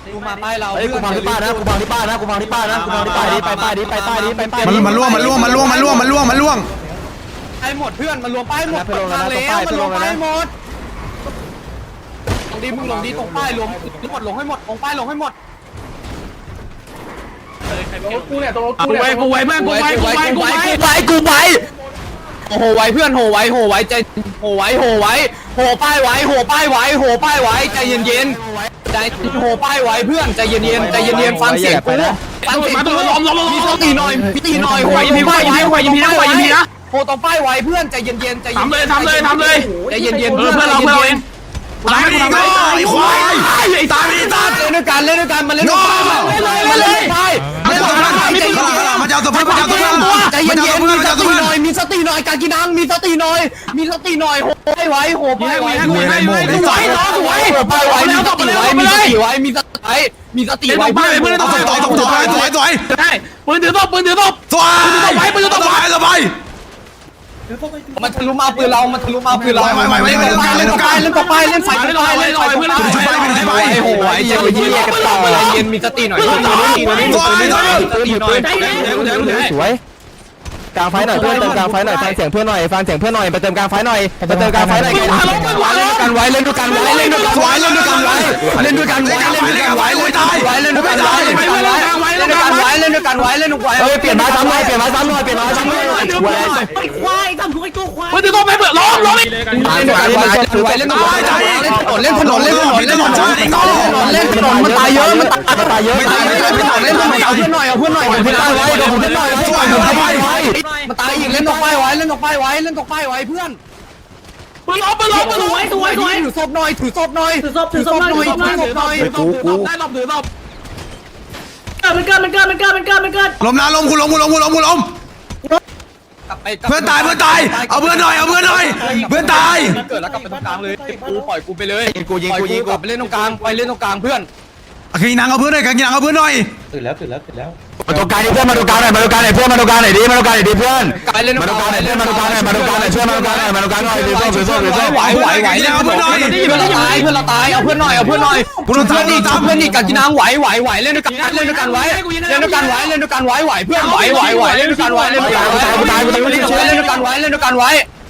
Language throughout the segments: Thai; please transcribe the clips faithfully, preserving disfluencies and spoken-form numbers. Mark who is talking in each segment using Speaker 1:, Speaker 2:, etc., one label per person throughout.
Speaker 1: กูมาป้ายเรา
Speaker 2: เฮ้ยกูพังที่ป้านะกูพังที่ป้านะกูพังที่ป้านะกูพังที่ป้าดิไปป้าดิไปป้าดิไปป้าดิ
Speaker 3: มันมันล่วงมันล่วงมันล่วงมันล่วงมันล่วงมันล่วง
Speaker 1: ไอ้หมดเพื่อนมันรวมป้ายหมดทางแล้วมันรวมป้ายหมดลงดีมึงลงดีตรงป้ายรวมหมดลงให้หมดตรงป้ายลงให้หมดกูเนี่ยตรงกูเนี่ยกูไว้เพื่อนกูไว้กูไว้กูไว้กูไว้กูไว้โอ้โหไว้เพื่อนโหไว้โหไว้ใจโหไว้โหไว้โหป้ายไว้โหป้ายไว้โหป้ายไว้ใจเย็นเย็นใจโหป้ายไว้เพื่อนใจเย็นเย็นใจเย็นเย็นฟังเสียงกูฟังเสียงกูมีสติหน่อยมีสติหน่อยโหยิงป้ายไว้โหยิงป้ายไว้ยิงนะโหตรงป้ายไว้เพื่อนใจเย็นเย็นใจเย็นทำเลยทำเลยทำเลยใจเย็นเย็นเพื่อนเพื่อนเราเพื่อนเองตายไปตายไอ้ควายไอ้ตายไอ้ตายเล่นด้วยกันเล่นด้วยกันมาเล่นด้วยกันมาเล่นด้วยกันมาเจ้าตัวเพื่อนมาเจ้าตัวเพื่อนใจเย็นเย็นมีสติหน่อยมีสติหน่อยการกินนังมีสติหน่อยมีสติหน่อยโหไปไว้โหไปไว้โหไปไว้สวยน้องสวยโหไปไว้มีสติไว้มีสติไว้มีสติมีสติไว้เพื่อนเพื่อนต้องต่อต้องต่อสวยสวยใช่ปืนถือศพปืนถือศพสวยไปปืนถือศพไปสบายมันทะลุมาปืนเรามันทะลุมาปืนเราไปไปไปเล่นต่อไปเล่นต่อไปเล่นไฟเล่นต่อไปเล่นต่อไปเพื่อนชุบไปชุบไปโอ้โหไอ้เย็นเย็นกันต่อใจเย็นมีสติหน่อยมีสติหน่อยมีสติหน่อย
Speaker 2: สวยกลางไฟหน่อยเพื่อนเติมกลางไฟหน่อยฟังเสียงเพื่อนหน่อยฟังเสียงเพื่อนหน่อยไปเติมกลางไฟหน่อยไปเติมกลางไฟหน่อยกันไว้เล่นด้วยกันไว้เล่นด้วยกันไว้เล่นด้วยกันไว้เล่นด้วยกันไว้เล่นด้วยกันไว้เล่นด้วยกันไว้เล่นด้วยกันไว้เล่นด้วยกันไว้เล่นด้วยกันไว้เล่นด้วยกันไว้เล่นด้วยกันไว้เฮ้ยเปลี่ยนมาซ้ำหน่อยเปลี่ยนมาซ้ำหน่อยเปลี่ยนมาซ้ำหน่อย
Speaker 4: ไอ้ควายทำทุกไอ้ตัวควาย
Speaker 1: มันจะต้องไปเปิดล้อมล้อมอีกเล่นด้วยกันไว้เล่นด้วยกันไว้เล่นถนนเล่นถนนเล่นถนนเล่นถนนมันตายเยอะมันตายมันตายเยอะมันตายเยอะเล่นถนนเอาเพื่อนหน่อยเอาเพื่อนหน่อยเอาเพื่อนหน่อยไว้เอาเพื่อนหน่อยไว้มันตายอีกเล่นตกป้ายไว้เล่นตกป้ายไว้เล่นตกป้ายไว้เพื่อนปืนล้อมปืนล้อมปืนล้อม
Speaker 4: สวยสวยสวย
Speaker 1: ถือศพหน่อยถือศพหน่อย
Speaker 4: ถือศพถือศพหน่อยถือศพหน่อย
Speaker 1: ถือศพหน่อยกูกูได้ศพถือศพ
Speaker 4: มันเกิดมันเกิดมันเกิดมันเกิดมันเกิด
Speaker 3: ล้มนะล้มกูล้มกูล้มกูล้มกูล้มเพื่อนตายเพื่อนตายเอาเพื่อนหน่อยเอาเพื่อนหน่อยเพื่อนตาย
Speaker 1: เกิดแล้วกลับไปตรงกลางเลยกูปล่อยกูไปเลยกูยิงกูยิงกลับไปเล่นตรงกลางไปเล่นตรงกลางเพื่อน
Speaker 3: กินนังเอาเพื่อนหน่อยกินนังเอาเพื่อนหน่อย
Speaker 2: ตื่นแล้วตื่นแล้วตื่นแล้วมาตรงกลางเพื่อนมาตรงกลางหน่อยมาตรงกลางหน่อยเพื่อนมาตรงกลางหน่อยดิมาตรงกลางหน่อยดิเพื่อนมาตรงกลางหน่อยเพื่อนมาตรงกลางหน่อยมาตรงกลางหน่อยช่วยมาตรงกลางหน่อยมาตรงกลางหน่อยถือส้มถือส้มถือส้ม
Speaker 1: ไหวไหวไหวเล่นเอาเพื่อนหน่อยเพื่อนเราตายเพื่อนเราตายเอาเพื่อนหน่อยเอาเพื่อนหน่อยเพื่อนอีกเพื่อนอีกกันกินน้ำไหวไหวไหวเล่นด้วยกันเล่นด้วยกันไว้เล่นด้วยกันไว้เล่นด้วยกันไว้ไหวเพื่อนไหวไหวไหวเล่นด้วยกันไว้เล่นด้วยกันไว้ตายตายตายเล่นด้วยกันไว้เล่นด้วยกันไว้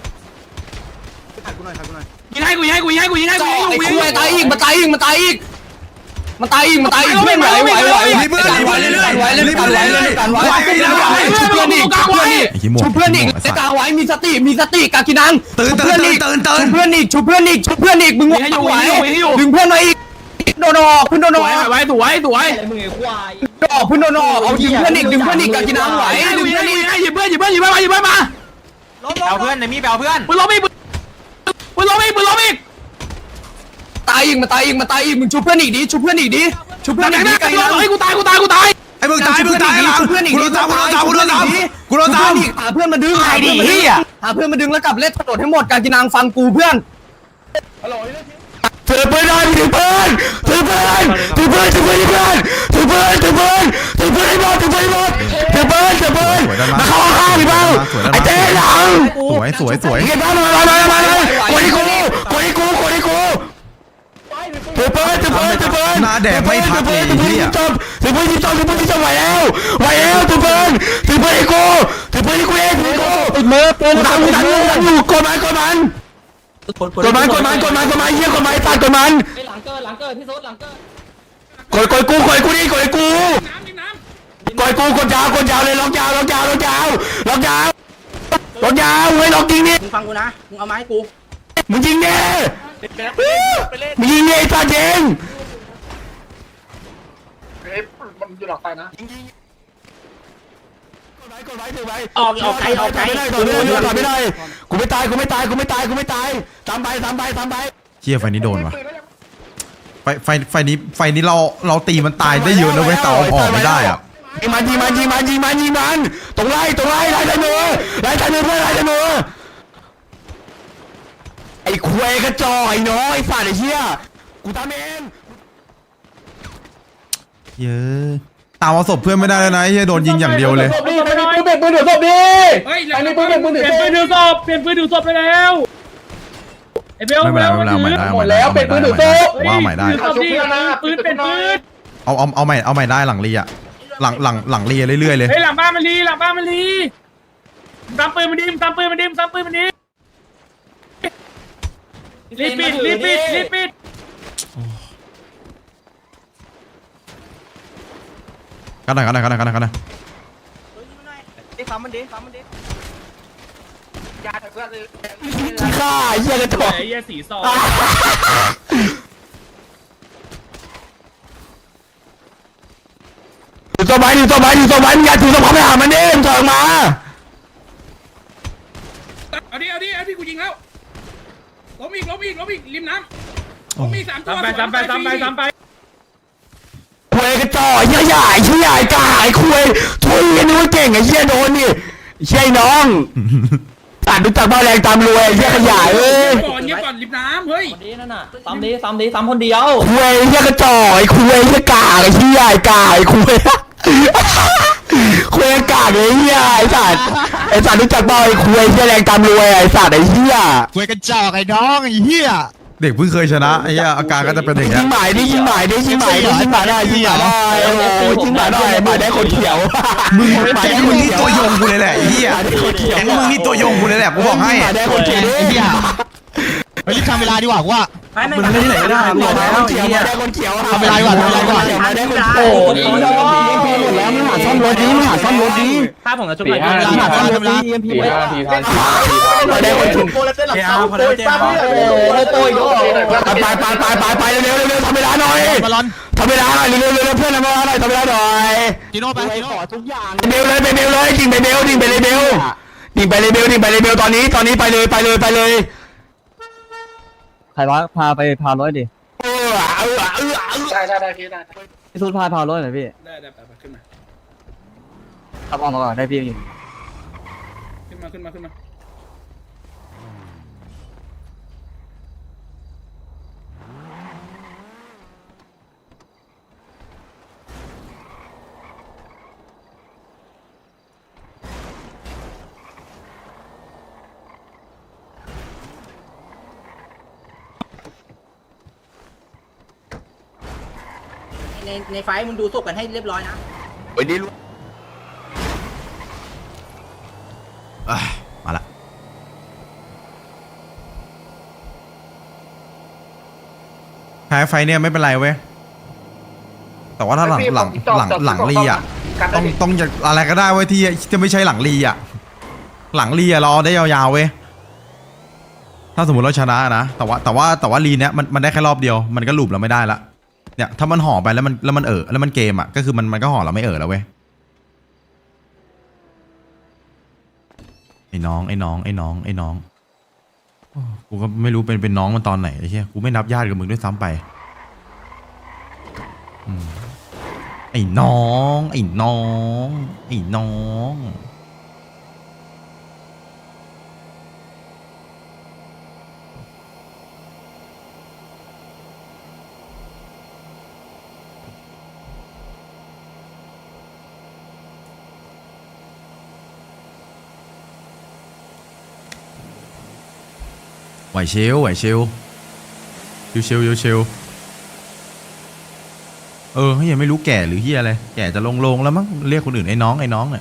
Speaker 1: ยิงให้กูยิงให้กูยิงให้กูยิงให้กูยิงให้กูตายอีกมันตายอีกมันตายอีกมันตายอีกมันตายอีกเพื่อนไหวไหวไหวเพื่อนไหวเล่นด้วยกันไว้เล่นด้วยกันไว้เล่นด้วยกันไว้ชุบเพื่อนอีกชุบเพื่อนอีกชุบเพื่อนอีกเล่นกลางไว้มีสติมีสติกากินัง
Speaker 3: ตื่น
Speaker 1: ชุบ
Speaker 3: ตื่
Speaker 1: เพื่อน
Speaker 3: น
Speaker 1: อีก
Speaker 3: ตื่นตื่น
Speaker 1: ชุบเพื่อนอีกชุบเพื่อนอีกชุบเพื่อนอีกมึงไหวไหวดึงเพื่อนมาอีกโดนออกเพื่อนโดนออกไว้สวยสวยมึงไอ้ควายออกเพื่อนโดนออกเอาดึงเพื่อนอีกดึงเพื่อนอีกกากินังไหวดึงเพื่อนอีกหยิบเพื่อนหยิบเพื่อนหยิบเพื่อนมาหยิบเพื่อนมาเอาเพื่อนในมีเอาเพื่อนปืนล้มอีกปืนล้มอีกปืนล้มอีกตายอีกมาตายอีกมาตายอีกมึงชุบเพื่อนอีกดิชุบเพื่อนอีกดิชุบเพื่อนอีกดิกากินังเฮ้ยกูตายกูตายกูตาย
Speaker 3: ไอ้มึงตายมึงตายหลังกูโดนตามกูโดนตามกูโดนตามกูโดนตาม
Speaker 1: หาเพื่อนมาดึงหาเพื่อนมาดึงหาเพื่อนมาดึงแล้วกลับเล่นถนนให้หมดการกินางฟังกูเพื่อน
Speaker 2: ถือปืนหน่อยถือปืนถือปืนถือปืนถือปืนถือปืนถือปืนถือปืนถือปืนให้หมดถือปืนให้หมดถือปืนถือปืนมาเข้าข้างพี่เบ้าไอ้เจ๊หลัง
Speaker 3: สวยสวยสวย
Speaker 2: เก็บบ้านมามามามาเลยกูนี่กูกูนี่กูกูนี่กูถือปืนถือปืนถือปืน
Speaker 3: หน้าแดงไม่พักเลย
Speaker 2: ถือปืน
Speaker 3: เฮีย
Speaker 2: จบถือปืนจบถือปืนจบไหวแล้วไหวแล้วถือปืนถือปืนให้กูถือปืนให้กูเองถือกูติดมือปืนทำอยู่ทำอยู่ทำอยู่กดมันกดมันกดมันกดมันกดมันกดมันเยี่ยกดมันตัดกดมัน
Speaker 4: หลังเกิดหลังเกิดพี่โซดหลังเกิด
Speaker 2: กดกดกูกดกูนี่กดกูกดกูกดยาวกดยาวเลยล็อกยาวล็อกยาวล็อกยาวล็อกยาวล็อกยาวเฮ้ยล็อกจริงนี่
Speaker 4: มึงฟังกูนะมึงเอาไม้ให้กู
Speaker 2: มึงยิงเนี่ยมึงยิงเนี่ยไอ้ตาเจง
Speaker 1: มันอยู่หลังไฟนะ
Speaker 2: กดไว้ถือไว้
Speaker 4: ออกออกไกลออกไกล
Speaker 2: ไม่ได้ถอยไม่ได้ถอยไม่ได้กูไม่ตายกูไม่ตายกูไม่ตายกูไม่ตายตามไปตามไปตามไป
Speaker 3: เฮียไฟนี้โดนวะไฟไฟไฟนี้ไฟนี้เราเราตีมันตายได้เยอะนะเว้ยแต่ออกไม่ได้อ่ะ
Speaker 2: ยิงมันยิงมันยิงมันยิงมันยิงมันตรงไล่ตรงไล่ไล่ใส่มือไล่ใส่มือเพื่อนไล่ใส่มือไอ้ควยกระจอกไอ้น้อยไอ้สัตว์ไอ้เหี้ยกูทำเอง
Speaker 3: เยอะตามเอาศพเพื่อนไม่ได้แล้วนะเฮียโดนยิงอย่างเดียวเลย
Speaker 5: ปืนเปลี่ยนปืนถือศพดิเฮ้ยอันนี้ปืนเปลี่ยนปืนถือศพเปลี่ยนปืนถือศพเปลี่ยนปืนถือศพไปแล้วไอ้เบล
Speaker 3: ไม่เป็นไรไม่เป็นไรใหม่ได้
Speaker 5: หมดแล้วเปลี่ยนปืนถือศพ
Speaker 3: ว่าใหม่ได้
Speaker 5: ปืนเป็นปืน
Speaker 3: เอาเอาเอาใหม่เอาใหม่ได้หลังรีอะหลังหลังหลังรีเรื่อยๆเลย
Speaker 5: เฮ้ยหลังบ้านมันลีหลังบ้านมันลีตามปืนมันดิมตามปืนมันดิมตามปืนมันดิรีบปิดรีบปิดรีบปิด
Speaker 3: กันหน่อยกันหน่อยกันหน่อยกันหน่อยกันหน่อย
Speaker 2: ฆ่าเหี้ยกระจอก
Speaker 5: ไอ้เหี้ยสีซอง
Speaker 2: ถือตัวไม้ถือตัวไม้ถือตัวไม้มึงอย่าถือตัวไม้ไปหามันดิมึงถอยออกมา
Speaker 5: เอาดิเอาดิเอาดิกูยิงแล้วล้มอีกล้มอีกล้มอีกริมน้ำล้มอีกสามตัวไปสามไปสามไปสามไป
Speaker 2: คุยกระจอกเหี้ยใหญ่เหี้ยใหญ่กาไอ้คุยทุยนึกว่าเก่งไอ้เหี้ยโดนนี่เชี่ยน้องอ่านดูจากบ้าแรงตามรวยเหี้ยขยายเอ้ย
Speaker 5: ก่อนเงี้ยก่อนริมน้ำเฮ้ย
Speaker 1: ดีนั่นน่ะซ้ำดีซ้ำดีซ้ำคนเดียว
Speaker 2: คุยเหี้ยกระจอกไอ้คุยเหี้ยกาไอ้เหี้ยใหญ่กาไอ้คุยคุยกาไอ้เหี้ยไอ้สัตว์ไอ้สัตว์รู้จักบ้าไอ้คุยเหี้ยแรงตามรวยไอ้สัตว์ไอ้เหี้ย
Speaker 6: คุยกันจอกไอ้น้องไอ้เหี้ย
Speaker 3: เด็กเพิ่งเคยชนะไอ้เหี้ยอาการก็จะเป็นอย่าง
Speaker 2: ยิ
Speaker 3: เงี้ย
Speaker 2: งหมายดิยิงหมายดิยิงหมายดิยิงหมายได้ยิงหมายได้โอ้โหยิงหมายได้หมายได้คนเขียว
Speaker 3: มึงแก๊งมึงนี่ตัวยงกูเลยแหละไอ้เหี้ยแก๊งมึงนี่ตัวยงกูเลยแหละกูบอกให้
Speaker 2: หมายได้คนเขียว
Speaker 6: ไอ้เหี้ยไปรีบทำเวลาดีกว่ากูว่า
Speaker 1: มึงไม่ที่ไหนก็ได้
Speaker 2: หมายได้คนเขียวหมายได้คนเขียว
Speaker 6: ทำเวลาดีกว่าทำเวลาดีกว่า
Speaker 2: หมายได้คนโอ้ยหมดแล้วมึงหาซ่อมรถดิมึงหาซ่อมรถดิ
Speaker 1: ถ้าผมจะจุด
Speaker 6: ทำเวลาทำเวลาทำเวลา
Speaker 1: สี่ห้าทีทัน
Speaker 2: หมายได้คนเขียว
Speaker 1: โอ้ยโต้ยโต้ย
Speaker 2: ไปไปไปไปไปเร็วเร็วเร็วทำเวลาหน่อย
Speaker 6: บอลลอน
Speaker 2: ทำเวลาหน่อยเร็วเร็วเร็วเพื่อนทำเวลาหน่อยทำเวลาหน่อย
Speaker 6: จิโน่ไปจิโน่
Speaker 2: ทุกอย่างเบลเลยไปเบลเลยดิ่งไปเบลดิ่งไปเลยเบลดิ่งไปเลยเบลดิ่งไปเลยเบลตอนนี้ตอนนี้ไปเลยไปเลยไปเลย
Speaker 7: ใครวะพาไปพาร้อยดิ
Speaker 2: เออเออเออ
Speaker 5: ได้ได้ได้พี่ได้
Speaker 7: พี่ทูตพาพาร้อยหน่อยพี่
Speaker 5: ได้ได้ไปขึ้นมา
Speaker 7: ขับออกมาก่อนได้พี่
Speaker 5: ขึ้นมาขึ้นมาขึ้นมา
Speaker 8: ในในไฟมึงดูศพกันให้เรียบร้อยนะ
Speaker 2: ไอ้นี่
Speaker 3: เอ้ยมาละแพ้ไฟเนี่ยไม่เป็นไรเว้ยแต่ว่าถ้าหลังหลังหลังหลังรีอ่ะต้องต้องจะอะไรก็ได้เว้ยที่ที่ไม่ใช่หลังรีอ่ะหลังรีอ่ะรอได้ยาวๆเว้ยถ้าสมมติเราชนะนะแต่ว่าแต่ว่าแต่ว่ารีเนี้ยมันมันได้แค่รอบเดียวมันก็หลุมเราไม่ได้ละเนี่ยถ้ามันห่อไปแล้วมันแล้วมันเออแล้วมันเกมอ่ะก็คือมันมันก็ห่อเราไม่เออแล้วเว้ยไอ้น้องไอ้น้องไอ้น้องไอ้น้องโอ้กูก็ไม่รู้เป็นเป็นน้องมันตอนไหนไอ้เหี้ยกูไม่นับญาติกับมึงด้วยซ้ำไปอืมไอ้น้องไอ้น้องไอ้น้องไหวเชลไหวเชลชิวเชลชิวเชลเออเฮียไม่รู้แก่หรือเฮียอะไรแก่จะลงลงแล้วมั้งเรียกคนอื่นไอ้น้องไอ้น้องเนี่ย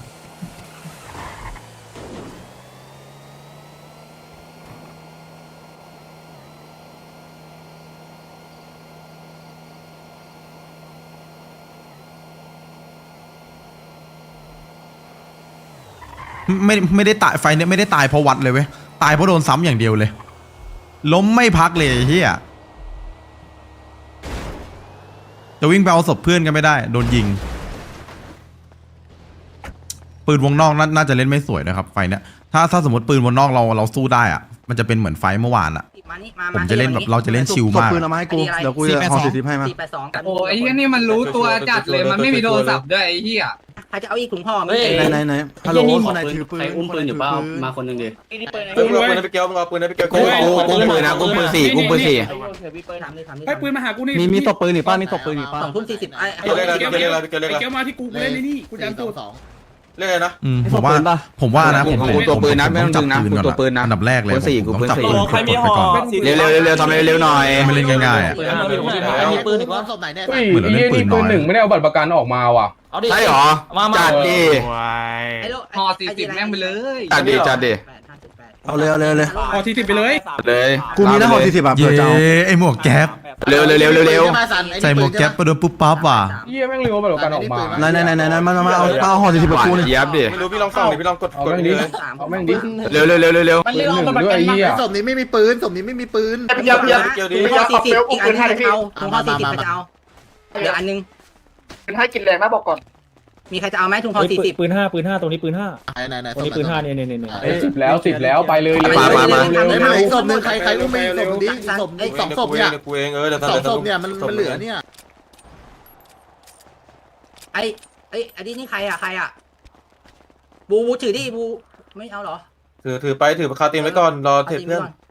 Speaker 3: ไม่ไม่ได้ตายไฟเนี่ยไม่ได้ตายเพราะวัดเลยเว้ยตายเพราะโดนซ้ำอย่างเดียวเลยล้มไม่พักเลยเฮียจะวิ่งไปเอาศพเพื่อนกันไม่ได้โดนยิงปืนวงนอกน่าน่าจะเล่นไม่สวยนะครับไฟเนี่ยถ้าถ้าสมมติปืนวงนอกเราเราสู้ได้อะมันจะเป็นเหมือนไฟเมื่อวานอะ
Speaker 8: มานี่มา
Speaker 3: ผมจะเล่นแบบเราจะเล่นชิลมาก
Speaker 8: ปืนเอามาให้กูเดี๋ยวกูจะเอาสี่สิบให้มาสี่แปดสองกัน
Speaker 1: โอ้ยนี่มันรู้ตัวจัดเลยมันไม่มีโทรศัพท์ด้วยไอ้เหี้ย
Speaker 8: ใครจะเอาอีกถุงห่อไหม
Speaker 1: ไหนไหนไหน
Speaker 8: ฮัลโหลคนไหนถือปืน
Speaker 1: อุ้มปืนอยู่เปล่ามาคนนึงดิ
Speaker 5: กูรวยไปเกี่ยวมึงเอาปืนไปเกี่ยวกูกูปืนนะกูปืนสี่กูปืนสี่
Speaker 8: ถามเลยถามเลย
Speaker 5: ให้ปืนมาหากูนี่
Speaker 7: มีมีตบปืนหรือป้ามีตบปืนหรือป้า
Speaker 8: สองทุ่มสี่สิบไอ้
Speaker 5: เกี่ยวเกี่ยวเกี่ยวเกี่ยวมาที่กูกูเล่นในนี่กูจำตัวสอง
Speaker 9: เรื่องอะไรนะ
Speaker 3: อืมผมว่าผมว่านะผม
Speaker 1: กูตัวปืนนะไม่ต้อง
Speaker 3: จับ
Speaker 1: ดึงนะ
Speaker 3: ปืน
Speaker 1: กู
Speaker 3: ก่อน
Speaker 1: ตัวปืนนะ
Speaker 3: อันดับแรกเลย
Speaker 1: ปืนสี่
Speaker 3: ผม
Speaker 1: กูปืน
Speaker 3: จับ
Speaker 1: สี่
Speaker 3: ปืนกดไปก่อน
Speaker 1: เร็วเร็วเร็วเร็วทำเร็วๆหน่อย
Speaker 3: ไม่เล่นง่ายๆอ่ะ
Speaker 6: มีปืนอีกว่าศพไหนเนี่ย
Speaker 3: เหมือนเราเล่นปืนน้อย
Speaker 1: ไม่ได้เอาบัตรประกันออกมาว่ะ
Speaker 6: เอาดิ
Speaker 1: ใช่หรอจัดดิ
Speaker 8: ห่อสี่สิบแม่งไปเลย
Speaker 1: จัดดิจัดดิ
Speaker 2: เอาเลยเอาเลยเลย
Speaker 5: พอทีสิบไปเลย
Speaker 1: เลย
Speaker 2: กูมีหน้าหอสี่สิบอ่ะ
Speaker 3: เย้ไอหมวกแก๊ป
Speaker 1: เร็วเร็วเร็วเร็วเร็ว
Speaker 3: ใส่หมวกแก๊ปไปโดนปุ๊บปั๊บว่ะ
Speaker 1: เยี่ยแม่งเร็วบัตรประกันออกมา
Speaker 2: ไหนไหนไหนไหนมามาเอาเอาหอสี่สิบกับกูนี่
Speaker 1: เย็บดิ
Speaker 9: ไม่รู้พี่ลองส่องดิพี่ลองกดกดดิ
Speaker 8: เอาแม่งดิ
Speaker 1: เร็วเร็วเร็วเร็วเร็ว
Speaker 4: มันเรียกเอาบัตรประกันมา
Speaker 6: ศพนี้ไม่มีปืนศพนี้ไม่มีปืน
Speaker 8: เดี๋ยวเดี๋ยวเดี๋ยวถุงห่อสี่สิบอีกอันนึงใครจะเอาถุงห่อสี่สิบใครจะเอาเดี๋ยวอันนึง
Speaker 4: ให้กินแรงนะบอกก่อน
Speaker 8: มีใครจะเอาไหมถุงห่อสี่สิบ
Speaker 10: ปืนห้าปืนห้าตรงนี้ปืนห้า
Speaker 6: ไหนไหนไหน
Speaker 10: ตรงนี้ปืนห้าเนี่ยเนี่ยเนี่ย
Speaker 1: สิบแล้วสิบแล้วไปเลย
Speaker 8: มามามา
Speaker 6: ไม่ไม่ศพหนึ่งใครใครรู้ไหมศพนี้ศพสองศพเนี่ย
Speaker 9: กูเองเออเดี๋ยว
Speaker 6: สองศพเนี่ยมันมันเหลือเนี่ย
Speaker 8: ไอ้ไอ้อันนี้นี่ใครอ่ะใครอ่ะบูบูถือดิบูไม่เอาเหรอ
Speaker 9: ถือถือไปถือคาตีนไว้ก่อนรอเทปเพื่อน
Speaker 8: า